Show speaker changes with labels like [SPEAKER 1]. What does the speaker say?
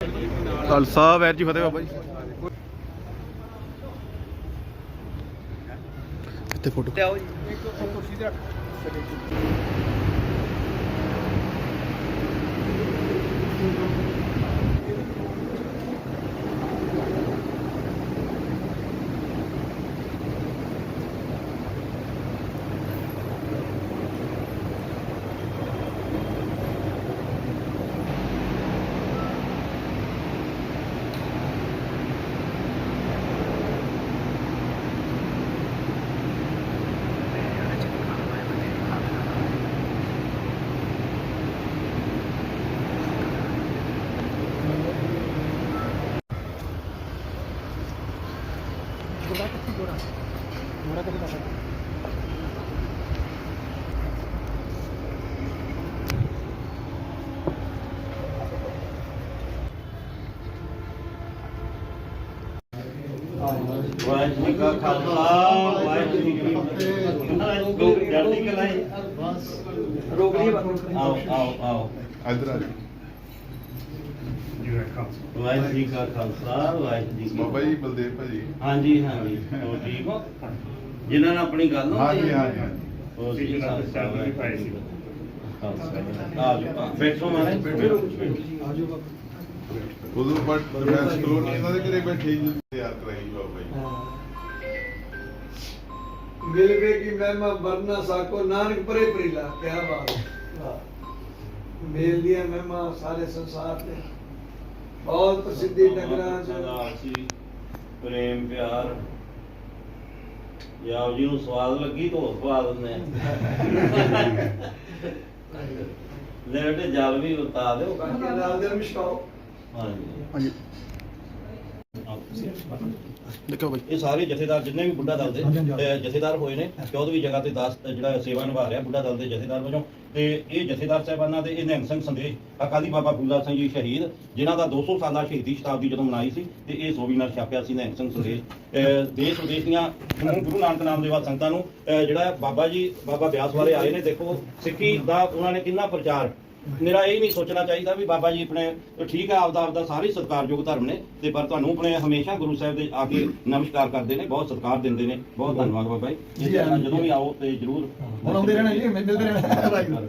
[SPEAKER 1] ਖਾਲਸਾ ਵੈਰ ਜੀ ਫਤਿਹ ਬਾਬਾ ਜੀ। ਇੱਥੇ ਫੋਟੋ
[SPEAKER 2] ਲਿਆਓ ਜੀ।
[SPEAKER 3] ਵਾਹਿਗੁਰੂ ਜੀ ਕਾ ਖਾਲਸਾ ਵਾਹਿਗੁਰੂ ਜੀ ਕੀ ਫਤਿਹ। ਜਲਦੀ ਕਲਾਈ ਬਸ
[SPEAKER 2] ਰੋਕ ਲਈ
[SPEAKER 3] ਆਓ ਆਓ ਆਓ
[SPEAKER 1] ਇੱਧਰ ਆ
[SPEAKER 3] ਵਾਹਿਗੁਰੂ ਜੀ ਕਾ ਖਾਲਸਾ ਵਾਹਿਗੁਰੂ ਜੀ ਕੀ
[SPEAKER 1] ਬਾਬਾ ਜੀ ਬਲਦੇਵ ਭਾਜੀ।
[SPEAKER 3] ਹਾਂਜੀ ਹਾਂਜੀ ਹੋਰ ਠੀਕ ਹੋ ਜਿਨ੍ਹਾਂ ਨਾਲ ਆਪਣੀ ਗੱਲ
[SPEAKER 1] ਹਾਂਜੀ ਹਾਂਜੀ ਹਾਂਜੀ।
[SPEAKER 3] ਹੋਰ ਜੀ ਖਾਲਸਾ ਆਜੋ ਬੈਠੋ ਮਾਰੇ ਆਜੋ
[SPEAKER 1] ਉਦੋਂ ਬਟ ਡਿਫੈਂਸ ਕਲੋਨੀ ਇਹਨਾਂ ਦੇ ਘਰੇ ਬੈਠੇ ਜੀ ਤਿਆਰ ਕਰਾਈ ਬਾਬਾ ਜੀ।
[SPEAKER 4] मिलवे की महिमा वरना साको नानक परे प्रिला क्या बात मेल दिया महिमा सारे संसार में बहुत प्रसिद्धि नगरा
[SPEAKER 3] ਸੀ ਪ੍ਰੇਮ ਪਿਆਰ ਯਾਓ ਜੀ ਨੂੰ ਸਵਾਦ ਲੱਗੀ ਤਾਂ ਹੋਰ ਸਵਾਦ ਦਿੰਦੇ ਆ ਲੈ ਬੇਟੇ ਜਲ ਵੀ ਉਤਾ ਦਿਓ
[SPEAKER 4] नाल दे मिशकाओ
[SPEAKER 3] ਹਾਂਜੀ
[SPEAKER 1] ਹਾਂਜੀ ਦੇਖੋ ਬਾਈ
[SPEAKER 3] ਇਹ ਸਾਰੇ ਜਥੇਦਾਰ ਜਿੰਨੇ ਵੀ ਬੁੱਢਾ ਦਲ ਦੇ ਜਥੇਦਾਰ ਹੋਏ ਨੇ 14ਵੀਂ ਜਗ੍ਹਾ ਤੇ 10 ਜਿਹੜਾ ਸੇਵਾ ਨਿਭਾ ਰਿਹਾ ਬੁੱਢਾ ਦਲ ਦੇ ਜਥੇਦਾਰ ਵਜੋਂ ਤੇ ਇਹ ਜਥੇਦਾਰ ਸਾਹਿਬਾਨਾਂ ਦੇ ਇਹ ਨਿਹੰਗ ਸਿੰਘ ਸੰਦੇਸ਼ ਅਕਾਲੀ ਬਾਬਾ ਫੂਲਾ ਸਿੰਘ ਜੀ ਸ਼ਹੀਦ ਜਿਨ੍ਹਾਂ ਦਾ 200 ਸਾਲਾ ਸ਼ਹੀਦੀ ਸ਼ਤਾਬਦੀ ਜਦੋਂ ਮਨਾਈ ਸੀ ਤੇ ਇਹ ਸੋਵੀਨਾਰ ਛਾਪਿਆ ਸੀ ਨਿਹੰਗ ਸਿੰਘ ਸੰਦੇਸ਼ ਦੇਸ਼ ਵਿਦੇਸ਼ ਦੀਆਂ ਗੁਰੂ ਨਾਨਕ ਨਾਮ ਦੇ ਸੰਗਤਾਂ ਨੂੰ ਜਿਹੜਾ ਬਾਬਾ ਜੀ ਬਾਬਾ ਬਿਆਸ ਵਾਲੇ ਆਏ ਨੇ ਦੇਖੋ ਸਿੱਖੀ ਦਾ ਉਹਨਾਂ ਨੇ ਕਿੰਨਾ ਪ੍ਰਚਾਰ ਮੇਰਾ ਇਹ ਨਹੀਂ ਸੋਚਣਾ ਚਾਹੀਦਾ ਵੀ ਬਾਬਾ ਜੀ ਆਪਣੇ ਠੀਕ ਹੈ ਆਪਦਾ ਸਾਰੇ ਸਤਿਕਾਰਯੋਗ ਧਰਮ ਨੇ ਤੇ ਪਰ ਤੁਹਾਨੂੰ ਆਪਣੇ ਹਮੇਸ਼ਾ ਗੁਰੂ ਸਾਹਿਬ ਦੇ ਆ ਕੇ ਨਮਸਕਾਰ ਕਰਦੇ ਨੇ ਬਹੁਤ ਸਤਿਕਾਰ ਦਿੰਦੇ ਨੇ ਬਹੁਤ ਧੰਨਵਾਦ ਬਾਬਾ ਜੀ ਜਦੋਂ ਵੀ ਆਓ ਤੇ ਜਰੂਰ
[SPEAKER 4] मिलते रहना